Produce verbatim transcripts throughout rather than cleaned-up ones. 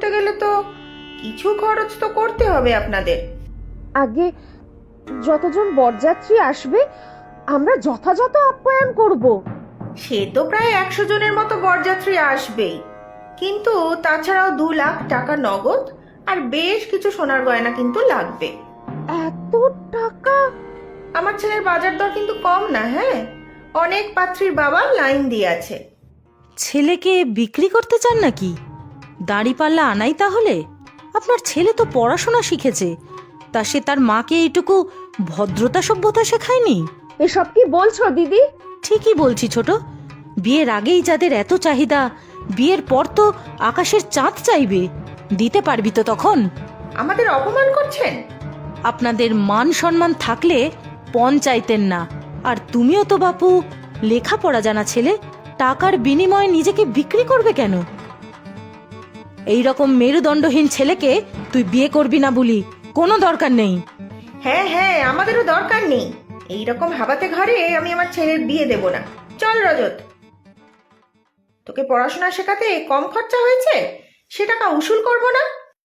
গেলে তো কিছু খরচ তো করতে হবে আপনাদের। আগে যতজন বরযাত্রী আসবে আমরা যথাযথ আপ্যায়ন করব। সে তো প্রায় একশো জনের মতো বরযাত্রী আসবেই, কিন্তু তাছাড়াও দু লাখ টাকা নগদ আর বেশ কিছু সোনার গয়না কিন্তু লাগবে। এত টাকা? আমার ছেলের বাজার দর কিন্তু কম না। হ্যাঁ, অনেক পাত্রীর বাবা লাইন দিয়ে আছে। ছেলেকে বিক্রি করতে চান নাকি? দাঁড়িপাল্লা আনাই তাহলে? আপনার ছেলে তো পড়াশোনা শিখেছে, তা সে তার মাকে এইটুকু ভদ্রতা সভ্যতা শেখায়নি? এসব কি বলছো দিদি? ঠিকই বলছি ছোট। বিয়ের আগেই যাদের এত চাহিদা, বিয়ের পর তো আকাশের চাঁদ চাইবে। দিতে পারবি তো তখন? আমাদের অপমান করছেন। আপনাদের মান সম্মান থাকলে পণ চাইতেন না। আর তুমিও তো বাপু লেখাপড়া জানা ছেলে, টাকার বিনিময়ে নিজেকে বিক্রি করবে কেন? এই রকম মেরুদণ্ডহীন ছেলেকে তুই বিয়ে করবি না বলি কোনো দরকার নেই। হ্যাঁ হ্যাঁ, আমাদেরও দরকার নেই। এইরকম হাবাতে ঘরে আমি আমার ছেলের বিয়ে দেব না। চল রজত, তোকে পড়াশোনা শেখাতে কম খরচা হয়েছে, সে টাকা উসুল করব না?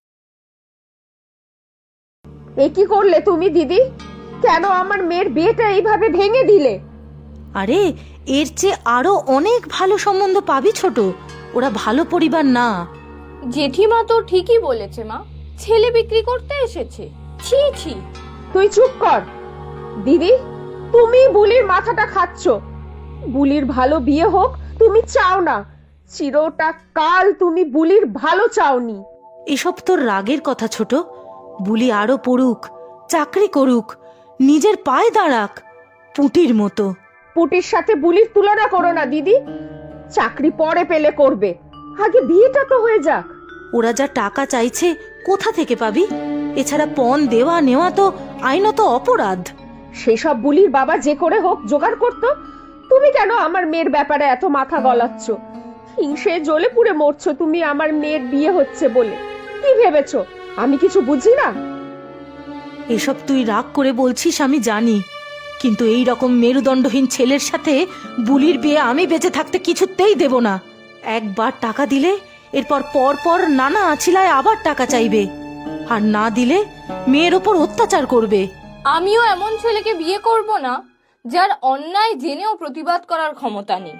এ কি করলে তুমি দিদি? কেন আমার মেয়ের বিয়েটা এইভাবে ভেঙে দিলে? আরে এর চেয়ে আরো অনেক ভালো সম্বন্ধ পাবি ছোট। ওরা ভালো পরিবার না। জেঠিমা তো ঠিকই বলেছে মা, ছেলে বিক্রি করতে এসেছে। ছি ছি। তুই চুপ কর দিদি। তুমি বুলির মাথাটা খাচ্ছ। বুলির ভালো বিয়ে হোক তুমি চাও না, চিরটা কাল তুমি বুলির ভালো চাওনি। এসব তোর রাগের কথা ছোট। বুলি আরো পড়ুক, চাকরি করুক, নিজের পায়ে দাঁড়াক, পুটির মতো। পুটির সাথে বুলির তুলনা করো না দিদি। চাকরি পরে পেলে করবে, আগে বিয়েটা তো হয়ে যাক। ওরা যা টাকা চাইছে কোথা থেকে পাবি? এছাড়া পণ দেওয়া নেওয়া তো আইনত অপরাধ। সেসব বুলির বাবা যে করে হোক জোগাড় করতো। তুমি কেন আমার মেয়ের ব্যাপারে এত মাথা গলাচ্ছ? হিংসে জ্বলে পুড়ে মরছো তুমি আমার মেয়ের বিয়ে হচ্ছে বলে। কি ভেবেছো আমি কিছু বুঝি না? এসব তুই রাগ করে বলছিস আমি জানি, কিন্তু এই রকম মেরুদণ্ডহীন ছেলের সাথে বুলির বিয়ে আমি বেঁচে থাকতে কিছুতেই দেব না। একবার টাকা দিলে এরপর পর পর নানা আছিলায় আবার টাকা চাইবে, আর না দিলে মেয়ের ওপর অত্যাচার করবে। আমিও এমন ছেলেকে বিয়ে করব না যার অন্যায় জেনেও প্রতিবাদ করার ক্ষমতা নেই।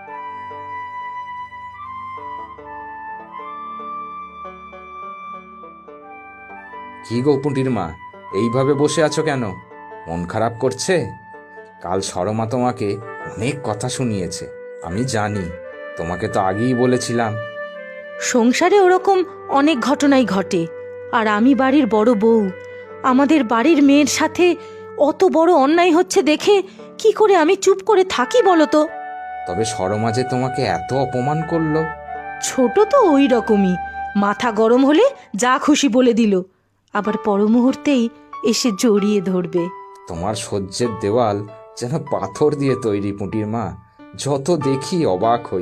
কি গো পুঁটির মা, এইভাবে বসে আছো কেন? মন খারাপ করছে? কাল সরমা তোমাকে অনেক কথা শুনিয়েছে, আমি জানি। তোমাকে তো আগেই বলেছিলাম। সংসারে ওরকম অনেক ঘটনাই ঘটে, আর আমি বাড়ির বড় বউ। আমাদের বাড়ির মেয়ের সাথে অত বড় অন্যায় হচ্ছে দেখে কি করে আমি চুপ করে থাকি বলো তো? তবে সরমা যে তোমাকে এত অপমান করলো। ছোট তো ওই রকমই, মাথা গরম হলে যা খুশি বলে দিল, আবার পর মুহূর্তেই এসে জড়িয়ে ধরবে। তোমার সহ্যের দেওয়াল যেন পাথর দিয়ে তৈরি পুঁটির মা, যত দেখি অবাক হই।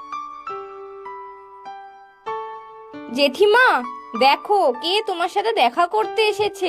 জেঠিমা দেখো কে তোমার সাথে দেখা করতে এসেছে।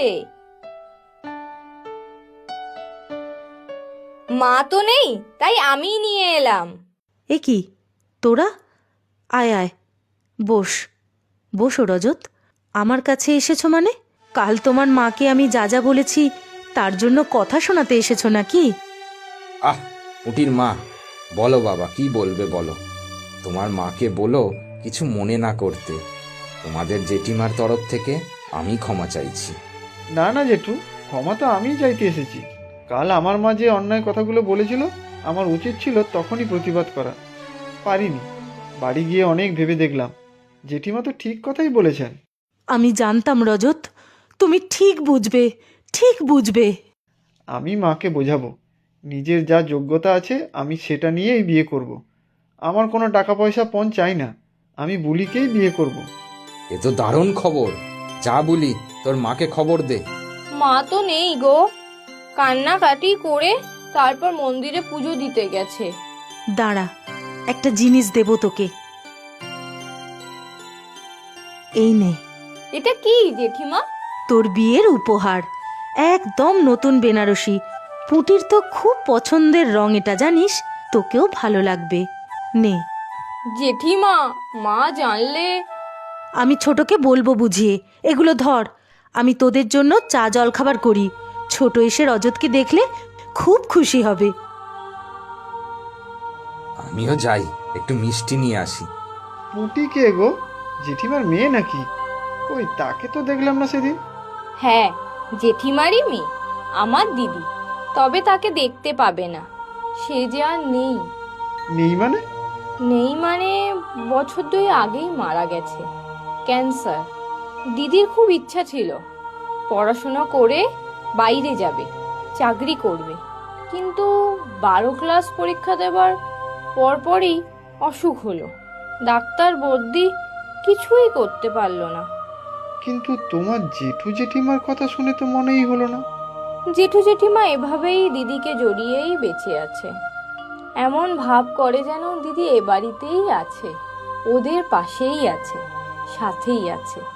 মা তো নেই, তাই আমি নিয়ে এলাম। এ কি তোরা? আয় আয়, বস বসো রজত। আমার কাছে এসেছো মানে? কাল তোমার মাকে আমি যা যা বলেছি তার জন্য কথা শোনাতে এসেছো নাকি? আহ পুঁটির মা, বলো বাবা, কি বলবে বলো। তোমার মাকে বলো কিছু মনে না করতে। তোমাদের জেঠিমার তরফ থেকে আমি ক্ষমা চাইছি। না না জেঠু, ক্ষমা তো আমিই চাইতে এসেছি। কাল আমার মা যে অন্যায় কথাগুলো বলেছিল, আমার উচিত ছিল তখনই প্রতিবাদ করা, পারিনি। বাড়ি গিয়ে অনেক ভেবে দেখলাম, জেঠিমা তো ঠিক কথাই বলেছেন। আমি জানতাম রজত, তুমি ঠিক বুঝবে, ঠিক বুঝবে। আমি মাকে বোঝাবো, নিজের যা যোগ্যতা আছে আমি সেটা নিয়েই বিয়ে করব। আমার কোনো টাকা পয়সা পণ চাই না, আমি বুলিকেই বিয়ে করব। এ তো দারুণ খবর। যা বলি তোর মাকে খবর দে। মা তো নেই গো, কান্নাকাটি করে তারপর মন্দিরে পুজো দিতে গেছে। দাঁড়া, একটা জিনিস দেব তোকে। এই নে। এটা কি জেঠিমা? তোর বিয়ের উপহার, একদম নতুন বেনারসি। পুটির তো খুব পছন্দের রং এটা, জানিস? তোকেও ভালো লাগবে। নে। জেঠিমা, মা জানলে? আমি ছোটকে বলবো বুঝিয়ে। এগুলো ধর, আমি তোদের জন্য চা জল খাবার করি। ছোট এসে রজতকে দেখলে খুব খুশি হবে। আমিও যাই, একটু মিষ্টি নিয়ে আসি। পুঁটি কে গো? জেঠিমার মেয়ে নাকি? ওই তাকে তো দেখলাম না সেদিন। হ্যাঁ, জেঠিমারই মেয়ে, আমার দিদি। তবে তাকে দেখতে পাবে না, সে যে আর নেই। নেই মানে? নেই মানে বছর দুই আগেই মারা গেছে, ক্যান্সার। দিদির খুব ইচ্ছা ছিল পড়াশোনা করে বাইরে যাবে, চাকরি করবে, কিন্তু বারো ক্লাস পরীক্ষা দেবার পরপরই অসুখ হলো। ডাক্তার বদ্যি কিছুই করতে পারলো না। কিন্তু তোমার জেঠু জেঠিমার কথা শুনে তো মনেই হলো না। জেঠু জেঠিমা এভাবেই দিদিকে জড়িয়েই বেঁচে আছে। এমন ভাব করে যেন দিদি এ বাড়িতেই আছে, ওদের পাশেই আছে, সাথেই আছে।